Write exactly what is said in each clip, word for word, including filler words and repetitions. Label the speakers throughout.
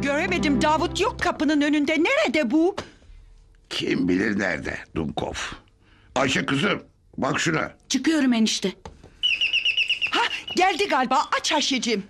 Speaker 1: Göremedim, Davut yok kapının önünde. Nerede bu?
Speaker 2: Kim bilir nerede Dumkov. Ayşe kızım bak şuna.
Speaker 3: Çıkıyorum enişte.
Speaker 1: Ha, geldi galiba. Aç Ayşe'cim.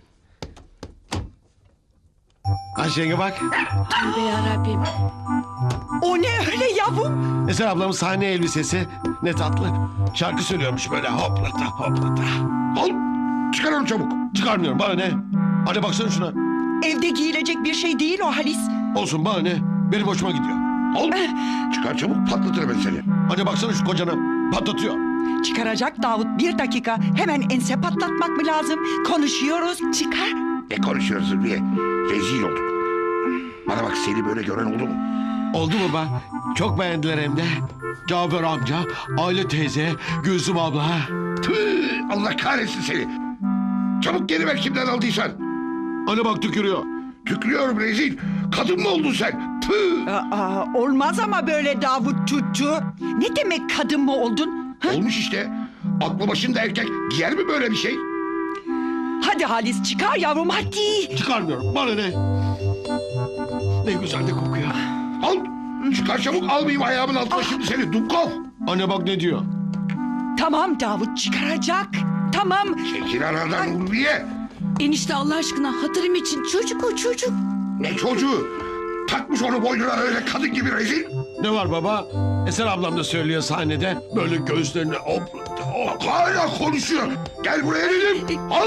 Speaker 4: Ayşe'ye bak.
Speaker 3: Tövbe yarabbim.
Speaker 1: O ne öyle yavrum?
Speaker 4: Eser ablamın sahne elbisesi. Ne tatlı. Şarkı söylüyormuş böyle hoplata hoplata.
Speaker 2: Al çıkar onu çabuk.
Speaker 4: Çıkarmıyorum, bana ne? Hadi baksana şuna.
Speaker 1: Evde giyilecek bir şey değil o Halis.
Speaker 4: Olsun, bana ne? Benim hoşuma gidiyor.
Speaker 2: Al çıkar çabuk patlatırım ben seni.
Speaker 4: Hadi baksana şu kocana. Patlatıyor.
Speaker 1: Çıkaracak Davut, bir dakika. Hemen ense patlatmak mı lazım? Konuşuyoruz, çıkar.
Speaker 2: Ne konuşuyorsun diye. Rezil olduk. Bana bak seni böyle gören oldu mu?
Speaker 4: Oldu baba. Çok beğendiler hem de. Cafer amca, Aile teyze, Gülsüm abla.
Speaker 2: Tüh, Allah kahretsin seni. Çabuk geri ver kimden aldıysan.
Speaker 4: Hani bak tükürüyor.
Speaker 2: Tükrüyorum rezil. Kadın mı oldun sen? Tüh.
Speaker 1: Aa, olmaz ama böyle Davut tuttu. Ne demek kadın mı oldun? Ha?
Speaker 2: Olmuş işte. Aklı başında erkek giyer mi böyle bir şey?
Speaker 1: Hadi Halis çıkar yavrum hadi.
Speaker 4: Çıkarmıyorum, bana ne? Ne güzel de kokuyor.
Speaker 2: Al. Çıkar çabuk almayayım ayağımın altına şimdi seni. Dumkov.
Speaker 4: Anne bak ne diyor.
Speaker 1: Tamam Davut çıkaracak. Tamam.
Speaker 2: Çekil aradan Ulviye.
Speaker 3: Enişte Allah aşkına hatırım için çocuk o çocuk.
Speaker 2: Ne çocuğu? Takmış onu boynuna öyle kadın gibi rezil.
Speaker 4: Ne var baba? Eser ablam da söylüyor sahnede. Böyle göğüslerini hoplata hop.
Speaker 2: Hala konuşuyor. Gel buraya dedim. Al.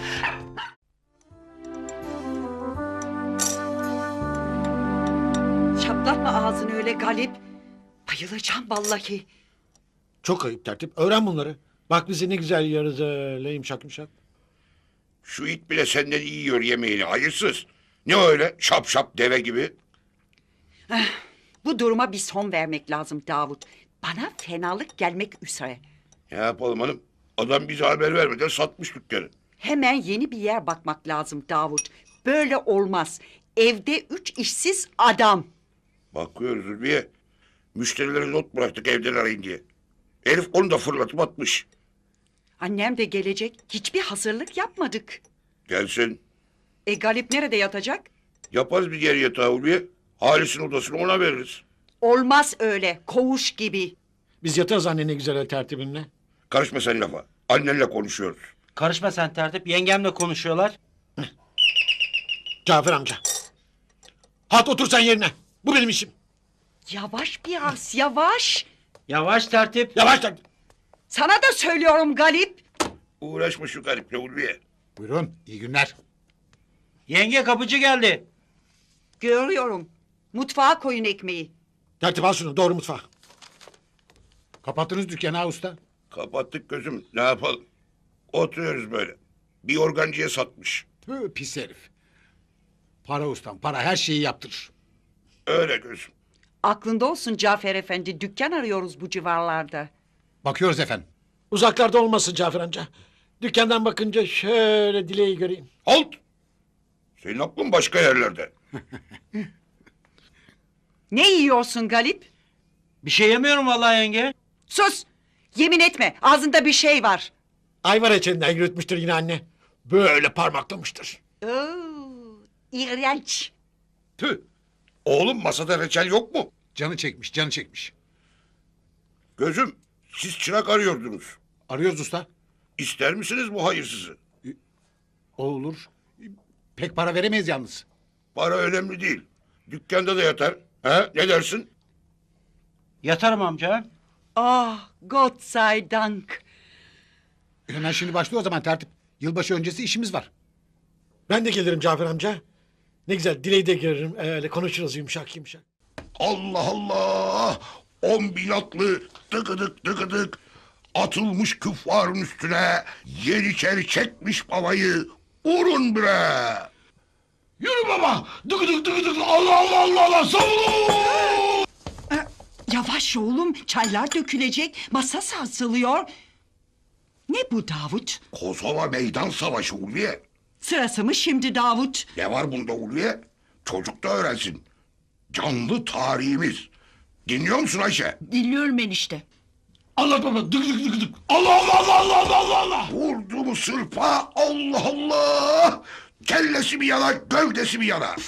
Speaker 1: Çatlatma ağzını öyle Galip. Bayılacağım vallahi.
Speaker 5: Çok ayıp tertip. Öğren bunları. Bak bizi ne güzel yiyoruz öyle yumuşak yumuşak.
Speaker 2: Şu it bile senden iyi yiyor yemeğini hayırsız. Ne öyle şap şap deve gibi.
Speaker 1: Bu duruma bir son vermek lazım Davut. Bana fenalık gelmek üzere.
Speaker 2: Ne yapalım hanım? Adam bize haber vermeden satmış dükkanı.
Speaker 1: Hemen yeni bir yer bakmak lazım Davut. Böyle olmaz. Evde üç işsiz adam.
Speaker 2: Bakıyoruz Ulviye. Müşterilere not bıraktık evden arayın diye. Herif onu da fırlatıp atmış.
Speaker 1: Annem de gelecek. Hiçbir hazırlık yapmadık.
Speaker 2: Gelsin.
Speaker 1: E Galip nerede yatacak?
Speaker 2: Yaparız bir yer yatağı Ulviye. Halis'in odasını ona veririz.
Speaker 1: Olmaz öyle. Koğuş gibi.
Speaker 5: Biz yatarız anne ne güzel öyle tertibinle.
Speaker 2: Karışma sen lafa. Annenle konuşuyoruz.
Speaker 6: Karışma sen tertip. Yengemle konuşuyorlar.
Speaker 5: Cafer amca. Hat otur sen yerine. Bu benim işim.
Speaker 1: Yavaş biraz yavaş.
Speaker 6: Yavaş tertip.
Speaker 5: Yavaş tertip.
Speaker 1: Sana da söylüyorum Galip.
Speaker 2: Uğraşma şu gariple Ulviye.
Speaker 7: Buyurun, iyi günler.
Speaker 6: Yenge kapıcı geldi.
Speaker 1: Görüyorum. Mutfağa koyun ekmeği.
Speaker 5: Tertip al şunu doğru mutfağa.
Speaker 7: Kapattınız dükkanı ha usta.
Speaker 2: Kapattık gözüm. Ne yapalım? Oturuyoruz böyle. Bir organcıya satmış.
Speaker 7: Tüh, pis herif. Para ustam, para her şeyi yaptırır.
Speaker 2: Öyle gözüm.
Speaker 1: Aklında olsun Cafer Efendi. Dükkan arıyoruz bu civarlarda.
Speaker 7: Bakıyoruz efendim.
Speaker 5: Uzaklarda olmasın Cafer amca. Dükkandan bakınca şöyle dileği göreyim.
Speaker 2: Halt! Senin aklın başka yerlerde.
Speaker 1: Ne yiyorsun Galip?
Speaker 6: Bir şey yemiyorum vallahi yenge.
Speaker 1: Sus! Yemin etme. Ağzında bir şey var.
Speaker 5: Ayvar içinden yürütmüştür yine anne. Böyle parmaklamıştır.
Speaker 1: Oo, iğrenç.
Speaker 2: Tüh! Oğlum masada reçel yok mu?
Speaker 7: Canı çekmiş, canı çekmiş.
Speaker 2: Gözüm, siz çırak arıyordunuz.
Speaker 7: Arıyoruz usta.
Speaker 2: İster misiniz bu hayırsızı?
Speaker 7: O olur. Pek para veremeyiz yalnız.
Speaker 2: Para önemli değil. Dükkanda da yatar. He? Ne dersin?
Speaker 6: Yatarım amca.
Speaker 1: Ah, Gott sei Dank.
Speaker 7: Hemen şimdi başlıyor o zaman tertip. Yılbaşı öncesi işimiz var.
Speaker 5: Ben de gelirim Cafer amca. Ne güzel dileği de görürüm. Öyle konuşuruz yumuşak yumuşak.
Speaker 2: Allah Allah! On bin atlı tıkıdık tıkıdık atılmış küffarın üstüne yeniçeri çekmiş babayı vurun bre!
Speaker 4: Yürü baba. Dık dık dık dık. Allah Allah Allah Allah. Savun.
Speaker 1: Yavaş oğlum. Çaylar dökülecek. Masa sarsılıyor. Ne bu Davut?
Speaker 2: Kosova meydan savaşı Ulviye.
Speaker 1: Sırası mı şimdi Davut?
Speaker 2: Ne var bunda Ulviye? Çocuk da öğrensin. Canlı tarihimiz. Dinliyor musun Ayşe?
Speaker 3: Dinliyorum enişte.
Speaker 4: Anlat baba. Dık dık dık dık. Allah Allah Allah Allah Allah Allah Allah.
Speaker 2: Vurdu mu sırpa Allah Allah! Kellesi bir yana, gövdesi bir yana.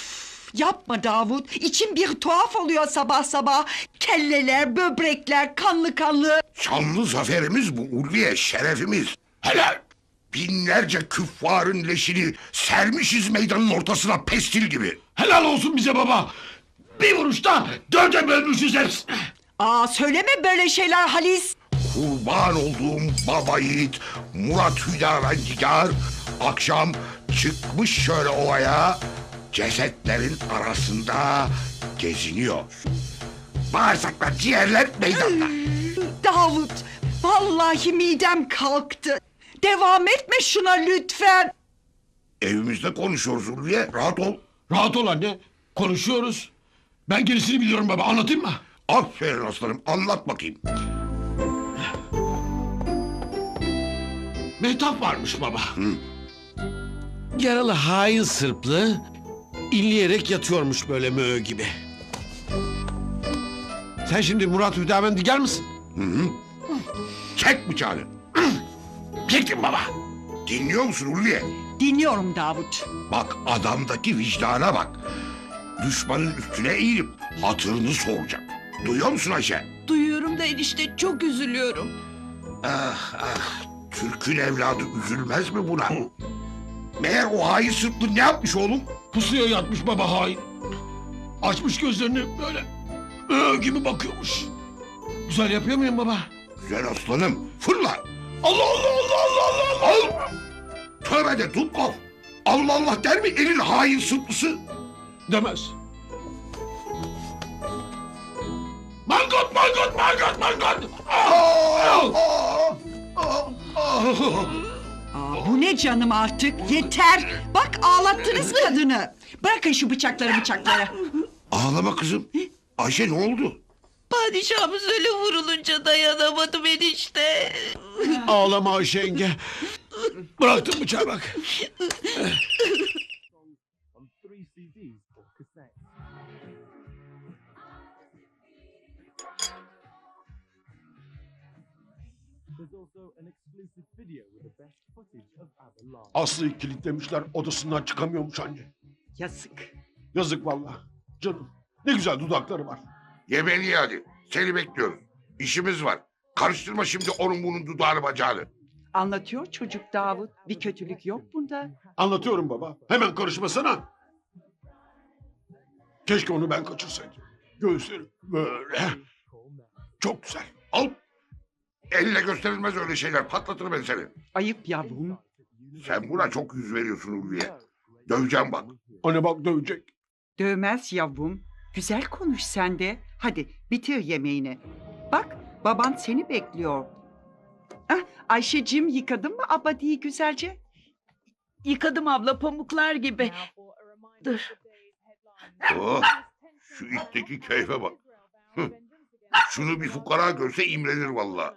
Speaker 1: Yapma Davut. İçim bir tuhaf oluyor sabah sabah. Kelleler, böbrekler, kanlı kanlı.
Speaker 2: Şanlı zaferimiz bu Ulviye, şerefimiz. Helal. Binlerce küffarın leşini sermişiz meydanın ortasına pestil gibi.
Speaker 4: Helal olsun bize baba. Bir vuruşta dörde bölmüşüz hepsini.
Speaker 1: Aa söyleme böyle şeyler Halis.
Speaker 2: Kurban olduğum baba yiğit Murat Hüdavendigar akşam çıkmış şöyle ovaya, cesetlerin arasında geziniyor. Bağırsaklar, ciğerler meydanda.
Speaker 1: Davut, vallahi midem kalktı. Devam etme şuna lütfen.
Speaker 2: Evimizde konuşuyoruz Ulviye, rahat ol.
Speaker 4: Rahat ol anne. Konuşuyoruz. Ben gerisini biliyorum baba. Anlatayım mı?
Speaker 2: Aferin aslanım, anlat bakayım.
Speaker 4: Mehtap varmış baba. Yaralı hain sırplı inleyerek yatıyormuş böyle möğ gibi. Sen şimdi Murat Hüdavendigar mısın?
Speaker 2: Çek bıçağını.
Speaker 4: Çektim baba.
Speaker 2: Dinliyor musun Ulviye?
Speaker 1: Dinliyorum Davut.
Speaker 2: Bak adamdaki vicdana bak. Düşmanın üstüne eğilip hatırını soracak. Duyuyor musun Ayşe?
Speaker 3: Duyuyorum da enişte çok üzülüyorum.
Speaker 2: Ah ah, Türk'ün evladı üzülmez mi buna? Meğer o hain sırtlı ne yapmış oğlum?
Speaker 4: Pusuya yatmış baba hain. Açmış gözlerini böyle möğ gibi bakıyormuş. Güzel yapıyor muyum baba?
Speaker 2: Güzel aslanım, fırla.
Speaker 4: Allah Allah Allah Allah Allah Allah.
Speaker 2: Al. Tövbe de Dubkov. Allah Allah der mi elin hain sırtlısı?
Speaker 4: Demez. Mangot mangot mangot mangot.
Speaker 2: Aa, aa, aa.
Speaker 1: Aa, bu ne canım artık? Yeter. Bak ağlattınız kadını. Bırakın şu bıçakları bıçakları.
Speaker 2: Ağlama kızım. Ayşe ne oldu?
Speaker 3: Padişahımız öyle vurulunca dayanamadım enişte.
Speaker 4: Ağlama Ayşe yenge. Bıraktım bıçağı bak. Aslı'yı kilitlemişler, odasından çıkamıyormuş anne.
Speaker 1: Yazık.
Speaker 4: Yazık vallahi. Canım ne güzel dudakları var.
Speaker 2: Yemeğini ye hadi. Seni bekliyoruz. İşimiz var. Karıştırma şimdi onun bunun dudağını bacağını.
Speaker 1: Anlatıyor çocuk Davut. Bir kötülük yok bunda.
Speaker 4: Anlatıyorum baba. Hemen karışmasana. Keşke onu ben kaçırsaydım. Göğüsleri böyle. Çok güzel.
Speaker 2: Al. Elle gösterilmez öyle şeyler. Patlatırım ben seni.
Speaker 1: Ayıp yavrum.
Speaker 2: Sen buna çok yüz veriyorsun Ulviye. Döveceğim bak.
Speaker 4: Anne bak dövecek.
Speaker 1: Dövmez yavrum. Güzel konuş sen de. Hadi bitir yemeğini. Bak baban seni bekliyor. Ah, Ayşeciğim yıkadın mı abadiyi güzelce?
Speaker 3: Yıkadım abla pamuklar gibi. Dur.
Speaker 2: Oh, şu itteki keyfe bak. Hı. Şunu bir fukara görse imrenir vallahi.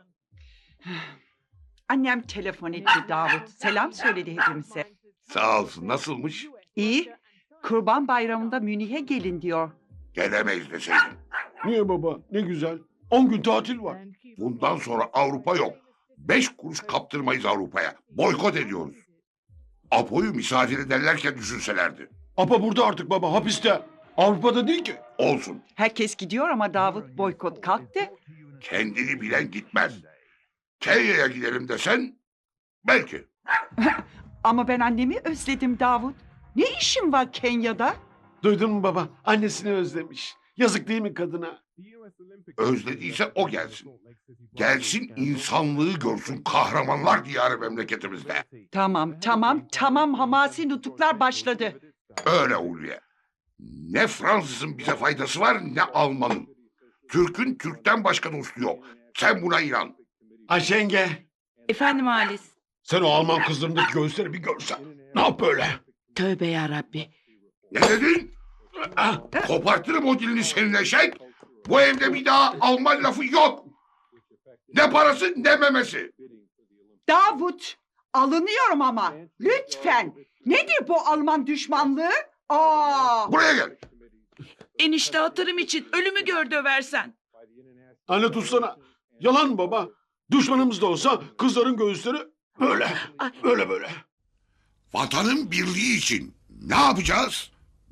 Speaker 1: Annem telefon etti Davut. Selam söyledi hepimize.
Speaker 2: Sağ olsun. Nasılmış?
Speaker 1: İyi. Kurban bayramında Münih'e gelin diyor.
Speaker 2: Gelemeyiz deseydin.
Speaker 4: Niye baba? Ne güzel. On gün tatil var.
Speaker 2: Bundan sonra Avrupa yok. Beş kuruş kaptırmayız Avrupa'ya. Boykot ediyoruz. Apo'yu misafir ederlerken düşünselerdi.
Speaker 4: Apa burada artık baba hapiste. Avrupa'da değil ki.
Speaker 2: Olsun.
Speaker 1: Herkes gidiyor ama Davut boykot kalktı.
Speaker 2: Kendini bilen gitmez. Kenya'ya gidelim desen belki.
Speaker 1: Ama ben annemi özledim Davut. Ne işin var Kenya'da?
Speaker 4: Duydun mu baba? Annesini özlemiş. Yazık değil mi kadına?
Speaker 2: Özlediyse o gelsin. Gelsin insanlığı görsün kahramanlar diyarı memleketimizde.
Speaker 1: Tamam tamam tamam hamasi nutuklar başladı.
Speaker 2: Öyle Ulviye. Ne Fransız'ın bize faydası var ne Alman'ın. Türk'ün Türk'ten başka dostu yok. Sen buna inan.
Speaker 4: Ayşe yenge.
Speaker 3: Efendim Halis.
Speaker 4: Sen o Alman kızlarındaki göğüsleri bir görsen. Ne yap böyle?
Speaker 3: Tövbe yarabbi.
Speaker 2: Ne dedin?
Speaker 4: Ah,
Speaker 2: Kopartırım o dilini senin eşek. Bu evde bir daha Alman lafı yok. Ne parası ne memesi.
Speaker 1: Davut alınıyorum ama lütfen. Nedir bu Alman düşmanlığı? Aa!
Speaker 2: Buraya gel.
Speaker 3: Enişte hatırım için ölümü gör döversen.
Speaker 4: anne tutsana. Yalan mı baba? Düşmanımız da olsa kızların göğüsleri böyle. Böyle böyle.
Speaker 2: Vatanın birliği için ne yapacağız?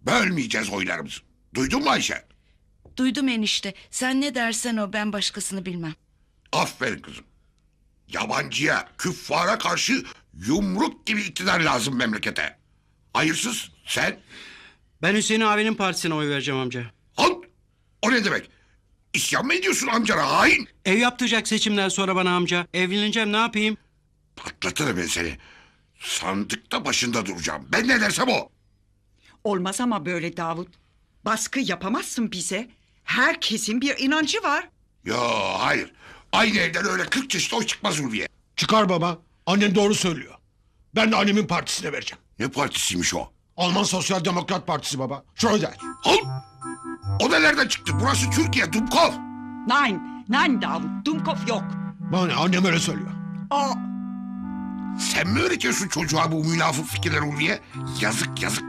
Speaker 2: Bölmeyeceğiz oylarımızı. Duydun mu Ayşe?
Speaker 3: Duydum enişte. Sen ne dersen o, ben başkasını bilmem.
Speaker 2: Aferin kızım. Yabancıya, küffara karşı yumruk gibi iktidar lazım memlekete. Hayırsız sen.
Speaker 6: Ben Hüseyin abinin partisine oy vereceğim amca.
Speaker 2: Al. O ne demek? İsyan mı ediyorsun amcana hain?
Speaker 6: Ev yaptıracak seçimden sonra bana amca. Evleneceğim, ne yapayım?
Speaker 2: Patlatırım ben seni. Sandıkta başında duracağım. Ben ne dersem o.
Speaker 1: Olmaz ama böyle Davut. Baskı yapamazsın bize. Herkesin bir inancı var.
Speaker 2: Yo hayır. Aynı evden öyle kırk çeşit oy çıkmaz Ulviye.
Speaker 4: Çıkar baba. Annen doğru söylüyor. Ben de annemin partisine vereceğim.
Speaker 2: Ne partisiymiş o?
Speaker 4: Alman Sosyal Demokrat Partisi baba. Şöyle.
Speaker 2: Al. O da nereden çıktı? Burası Türkiye, Dubkov.
Speaker 1: Nein, nein Davut. Dumkov yok.
Speaker 4: Bana ne, annem öyle söylüyor.
Speaker 1: O
Speaker 2: Sen mi öğretiyorsun çocuğa bu münafık fikirler Ulviye? Yazık yazık.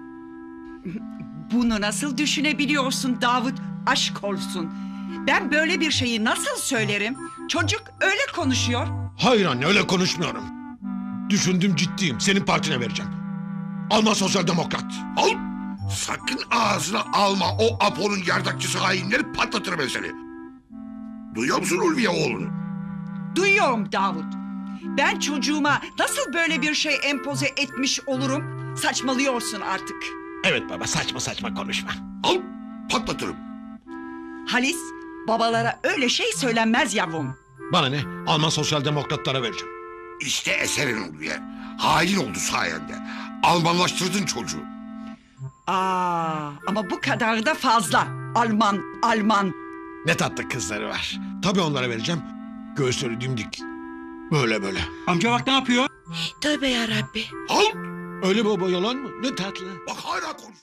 Speaker 1: bunu nasıl düşünebiliyorsun Davut? Aşk olsun. Ben böyle bir şeyi nasıl söylerim? Çocuk öyle konuşuyor.
Speaker 4: Hayır anne, öyle konuşmuyorum. Düşündüm, ciddiyim. Senin partine vereceğim. Alman Sosyal Demokrat.
Speaker 2: Al. Sakın ağzına alma o Apo'nun yardakçısı hainleri, patlatırım ben seni. Duyuyor musun Ulviye oğlunu?
Speaker 1: Duyuyorum Davut. Ben çocuğuma nasıl böyle bir şey empoze etmiş olurum? Saçmalıyorsun artık.
Speaker 4: Evet baba, saçma saçma konuşma.
Speaker 2: Al. Patlatırım.
Speaker 1: Halis, babalara öyle şey söylenmez yavrum.
Speaker 4: Bana ne? Alman Sosyal Demokratlara vereceğim.
Speaker 2: İşte eserin Ulviye. Hain oldu sayende. Almanlaştırdın çocuğu.
Speaker 1: Aa, ama bu kadar da fazla. Alman, Alman.
Speaker 4: Ne tatlı kızları var. Tabii onlara vereceğim. Göğüsleri dimdik. Böyle böyle.
Speaker 6: Amca bak ne yapıyor?
Speaker 3: Tövbe yarabbi.
Speaker 2: Al.
Speaker 4: Öyle baba, yalan mı? Ne tatlı.
Speaker 2: Bak hala konuş.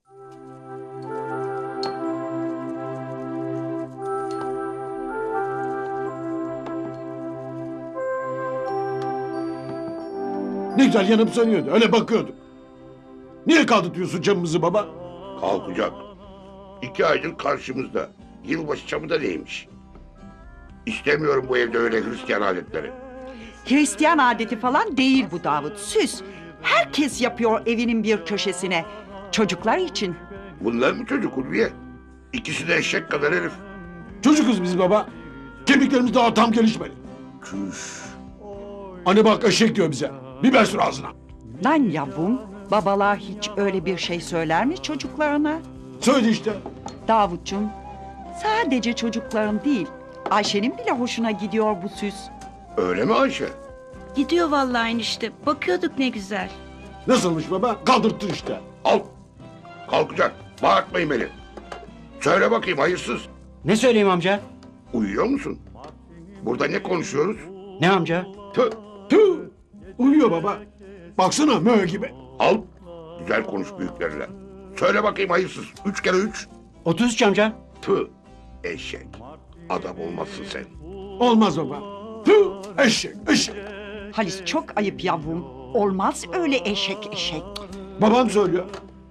Speaker 5: Ne güzel yanıp sönüyordu. Öyle bakıyordum. Niye kaldırtıyorsun camımızı baba?
Speaker 2: Kalkacak. İki aydır karşımızda. Yılbaşı çamı da neymiş? İstemiyorum bu evde öyle Hristiyan adetleri.
Speaker 1: Hristiyan adeti falan değil bu Davut. Süs. Herkes yapıyor evinin bir köşesine. Çocuklar için.
Speaker 2: Bunlar mı çocuk Ulviye? İkisi de eşek kadar herif.
Speaker 5: Çocukuz biz baba. Kemiklerimiz daha tam gelişmedi.
Speaker 2: Küş.
Speaker 5: Anne bak, eşek diyor bize. Biber sür ağzına.
Speaker 1: Lan yavrum, babalar hiç öyle bir şey söyler mi çocuklarına?
Speaker 5: Söyle işte.
Speaker 1: Davutcuğum, sadece çocukların değil, Ayşe'nin bile hoşuna gidiyor bu süs.
Speaker 2: Öyle mi Ayşe?
Speaker 3: Gidiyor vallahi enişte. Bakıyorduk ne güzel.
Speaker 5: Nasılmış baba? Kaldırttın işte.
Speaker 2: Al. Kalkacak. Bağırtmayın beni. Söyle bakayım hayırsız.
Speaker 6: Ne söyleyeyim amca?
Speaker 2: Uyuyor musun? Burada ne konuşuyoruz?
Speaker 6: Ne amca?
Speaker 2: Tüh.
Speaker 5: Tüh. Uyuyor baba. Baksana mö gibi.
Speaker 2: Al. Güzel konuş büyüklerle. Söyle bakayım hayırsız. Üç kere üç.
Speaker 6: otuz üç amca.
Speaker 2: Tüh. Eşek. Adam olmazsın sen.
Speaker 5: Olmaz baba. Tüh. Eşek, eşek.
Speaker 1: Halis çok ayıp yavrum. Olmaz öyle eşek eşek.
Speaker 5: Babam söylüyor.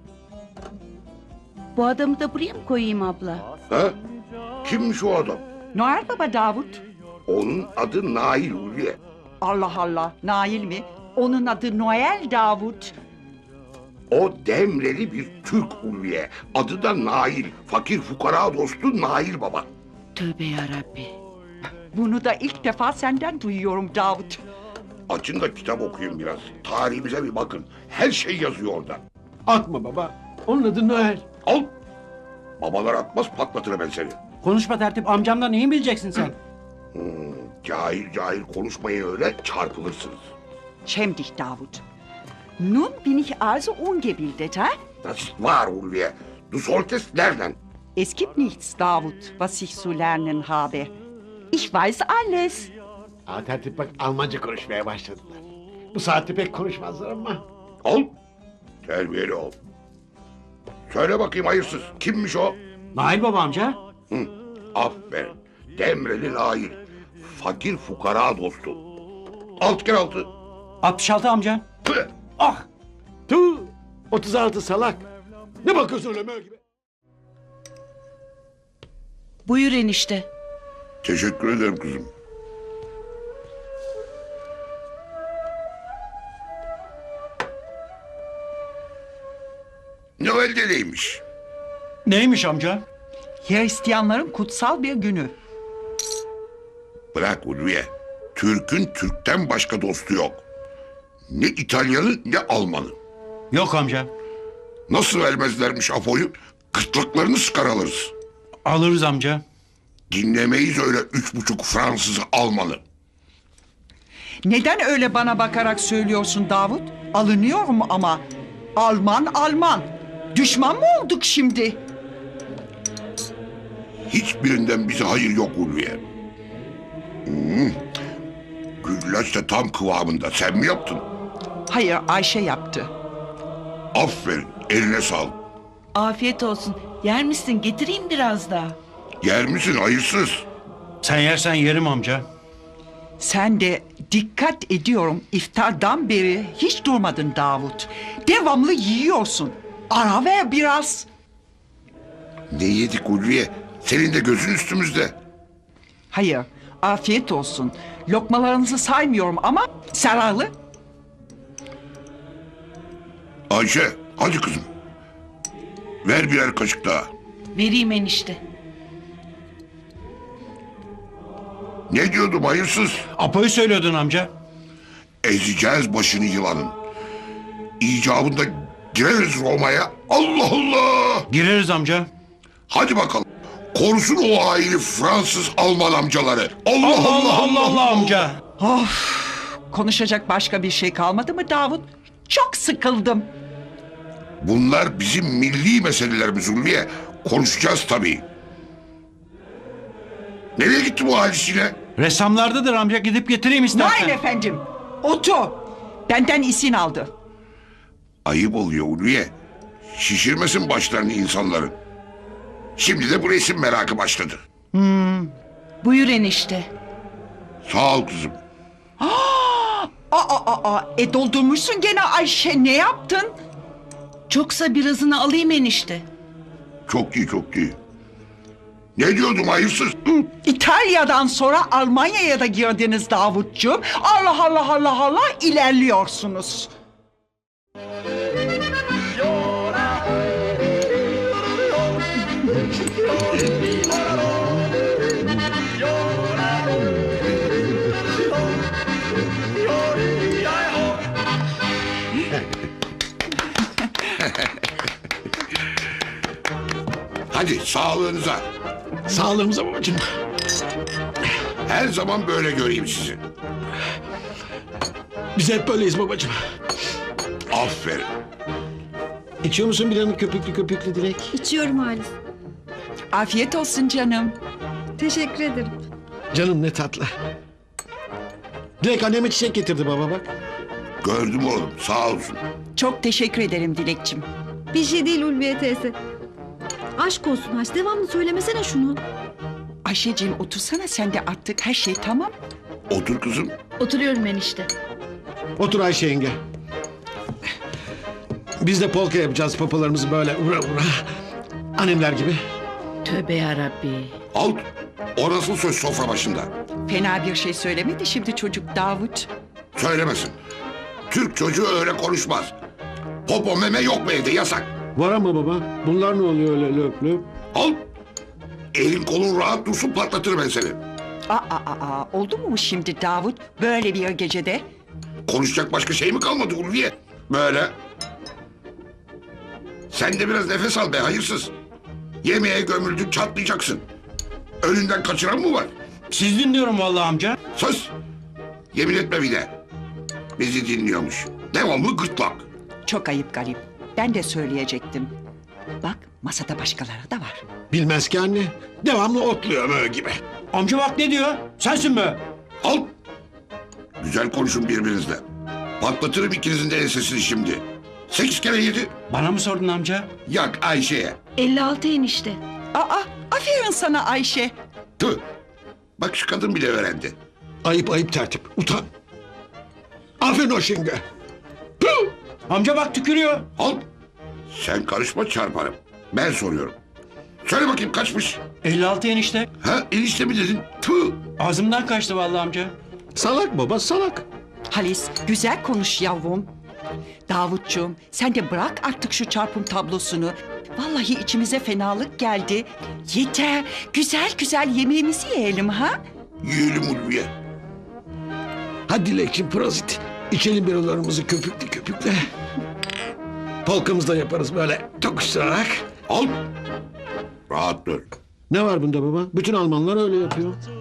Speaker 3: Bu adamı da buraya mı koyayım abla?
Speaker 2: Ha? Kimmiş o adam?
Speaker 1: Noel Baba Davut.
Speaker 2: Onun adı Nail Ulviye.
Speaker 1: Allah Allah, Nail mi? Onun adı Noel Davut.
Speaker 2: O Demreli bir Türk Ulviye. Adı da Nail. Fakir fukara dostu Nail Baba.
Speaker 3: Tövbe yarabbi.
Speaker 1: Bunu da ilk defa senden duyuyorum Davut.
Speaker 2: Açın da kitap okuyun biraz. Tarihimize bir bakın. Her şey yazıyor orada.
Speaker 5: Atma baba. Onun adı Noel.
Speaker 2: Al. Babalar atmaz, patlatırım ben seni.
Speaker 6: Konuşma tertip, amcamdan neyi bileceksin sen?
Speaker 2: Hmm, cahil cahil konuşmayın öyle, çarpılırsınız.
Speaker 1: Schäm dich, Davut. Nun bin ich also ungebildet, ha?
Speaker 2: Das ist wahr Ulviye. Du solltest lernen.
Speaker 1: Es gibt nichts, Davut, was ich zu lernen habe. Ich weiß alles.
Speaker 5: Aa, tertip bak, Almanca konuşmaya başladılar. Bu saatte pek konuşmazlar ama.
Speaker 2: Al. Terbiyeli ol. Söyle bakayım hayırsız. Kimmiş o?
Speaker 6: Nail baba amca.
Speaker 2: Hı, aferin. Demreli Nail. Fakir fukara dostu. Altı kere altı.
Speaker 6: altmış altı amca.
Speaker 2: Tüh.
Speaker 6: Ah!
Speaker 5: Tüh. otuz altı salak. Ne bakıyorsun öyle mö gibi?
Speaker 3: Buyur enişte.
Speaker 2: Teşekkür ederim kızım. Noel'de neymiş?
Speaker 6: Neymiş amca?
Speaker 1: Hristiyanların kutsal bir günü.
Speaker 2: Bırak Ulviye. Türk'ün Türk'ten başka dostu yok. Ne İtalyanı ne Almanı.
Speaker 6: Yok amca.
Speaker 2: Nasıl vermezlermiş Apo'yu? Kırtlaklarını sıkar alırız.
Speaker 6: Alırız amca.
Speaker 2: Dinlemeyiz öyle üç buçuk Fransızı Almanı.
Speaker 1: Neden öyle bana bakarak söylüyorsun Davut? Alınıyorum ama. Alman Alman. Düşman mı olduk şimdi?
Speaker 2: Hiçbirinden bize hayır yok Ulviye. Hmm. Güllaç da tam kıvamında. Sen mi yaptın?
Speaker 1: Hayır, Ayşe yaptı.
Speaker 2: Aferin. Eline sağlık.
Speaker 3: Afiyet olsun. Yer misin? Getireyim biraz daha.
Speaker 2: Yer misin hayırsız?
Speaker 6: Sen yersen yerim amca.
Speaker 1: Sen de dikkat ediyorum iftardan beri hiç durmadın Davut. Devamlı yiyorsun. Ara ver biraz.
Speaker 2: Ne yedik Ulviye? Senin de gözün üstümüzde.
Speaker 1: Hayır, afiyet olsun. Lokmalarınızı saymıyorum ama zararlı.
Speaker 2: Ayşe hadi kızım. Ver birer kaşık daha.
Speaker 3: Vereyim enişte.
Speaker 2: Ne diyordum hayırsız?
Speaker 6: Apo'yu söylüyordun amca.
Speaker 2: Ezeceğiz başını yılanın. İcabında gireriz Roma'ya. Allah Allah!
Speaker 6: Gireriz amca.
Speaker 2: Hadi bakalım. Korusun o haini Fransız Alman amcaları. Allah
Speaker 6: Allah
Speaker 2: Allah
Speaker 6: Allah Allah, Allah amca.
Speaker 1: Of, konuşacak başka bir şey kalmadı mı Davut? Çok sıkıldım.
Speaker 2: Bunlar bizim milli meselelerimiz Ulviye. Konuşacağız tabii. Nereye gitti bu halisiyle?
Speaker 6: Ressamlardadır amca, gidip getireyim istersen.
Speaker 1: Nail efendim, otu. Benden izin aldı.
Speaker 2: Ayıp oluyor Ulviye. Şişirmesin başlarını insanların. Şimdi de bu resim merakı başladı.
Speaker 3: Buyur enişte.
Speaker 2: Sağ ol kızım.
Speaker 1: Aa, aa, aa, e doldurmuşsun gene Ayşe, ne yaptın?
Speaker 3: Çoksa birazını alayım enişte.
Speaker 2: Çok iyi çok iyi. Ne diyordum hayırsız?
Speaker 1: İtalya'dan sonra Almanya'ya da girdiniz Davutcuğum. Allah Allah Allah Allah ilerliyorsunuz.
Speaker 2: Hadi sağlığınıza.
Speaker 5: Sağlığımıza babacığım.
Speaker 2: Her zaman böyle göreyim sizi.
Speaker 5: Biz hep böyleyiz babacığım.
Speaker 2: Aferin.
Speaker 5: İçiyor musun bir hanım köpüklü köpüklü Dilek?
Speaker 8: İçiyorum Halis.
Speaker 1: Afiyet olsun canım.
Speaker 8: Teşekkür ederim.
Speaker 5: Canım ne tatlı. Dilek anneme çiçek getirdi baba bak.
Speaker 2: Gördüm oğlum sağ olsun.
Speaker 1: Çok teşekkür ederim Dilekçim.
Speaker 8: Bir şey değil Ulviye teyze. Aşk olsun Haş. Devamlı söylemesene şunu.
Speaker 1: Ayşeciğim otursana sen de artık, her şey tamam.
Speaker 2: Otur kızım.
Speaker 8: Oturuyorum enişte.
Speaker 5: Otur Ayşe yenge. Biz de polka yapacağız papalarımızı böyle vura vura. Annemler gibi.
Speaker 3: Tövbe yarabbi.
Speaker 2: Al. O nasıl söz sofra başında?
Speaker 1: Fena bir şey söylemedi şimdi çocuk Davut.
Speaker 2: Söylemesin. Türk çocuğu öyle konuşmaz. Popo meme yok mu evde yasak.
Speaker 5: Var ama baba. Bunlar ne oluyor öyle löp löp?
Speaker 2: Al. Elin kolun rahat dursun patlatır ben seni.
Speaker 1: Aa, aa, aa, oldu mu bu şimdi Davut böyle bir gecede?
Speaker 2: Konuşacak başka şey mi kalmadı Ulviye? Böyle. Sen de biraz nefes al be hayırsız. Yemeğe gömüldün çatlayacaksın. Önünden kaçıran mı var?
Speaker 6: Siz dinliyorum vallahi amca.
Speaker 2: Sus. Yemin etme bir de. Bizi dinliyormuş. Devamlı gırtlak.
Speaker 1: Çok ayıp garip. Ben de söyleyecektim. Bak masada başkaları da var.
Speaker 5: Bilmez ki anne. Devamlı otluyor böyle gibi.
Speaker 6: Amca bak ne diyor? Sensin be.
Speaker 2: Al. Güzel konuşun birbirinizle. Patlatırım ikinizin de ensesini şimdi. Sekiz kere yedi.
Speaker 6: Bana mı sordun amca?
Speaker 2: Yak Ayşe'ye.
Speaker 3: elli altı enişte.
Speaker 1: Aa, aferin sana Ayşe.
Speaker 2: Tüh. Bak şu kadın bile öğrendi.
Speaker 5: Ayıp ayıp tertip. Utan. Aferin o şimdi.
Speaker 6: Amca bak tükürüyor.
Speaker 2: Al. Sen karışma çarparım. Ben soruyorum. Söyle bakayım kaçmış?
Speaker 6: elli altı enişte.
Speaker 2: Ha enişte mi dedin? Tüh.
Speaker 6: Ağzımdan kaçtı vallahi amca.
Speaker 5: Salak baba salak.
Speaker 1: Halis güzel konuş yavrum. Davutcuğum sen de bırak artık şu çarpım tablosunu. Vallahi içimize fenalık geldi. Yeter. Güzel güzel yemeğimizi yiyelim ha.
Speaker 2: Yiyelim Ulviye.
Speaker 5: Hadi Dilekçim prozit. İçelim biralarımızı köpüklü köpükle. Polkamızı da yaparız böyle tokuşturarak.
Speaker 2: Al. Rahat dur.
Speaker 5: Ne var bunda baba? Bütün Almanlar öyle yapıyor.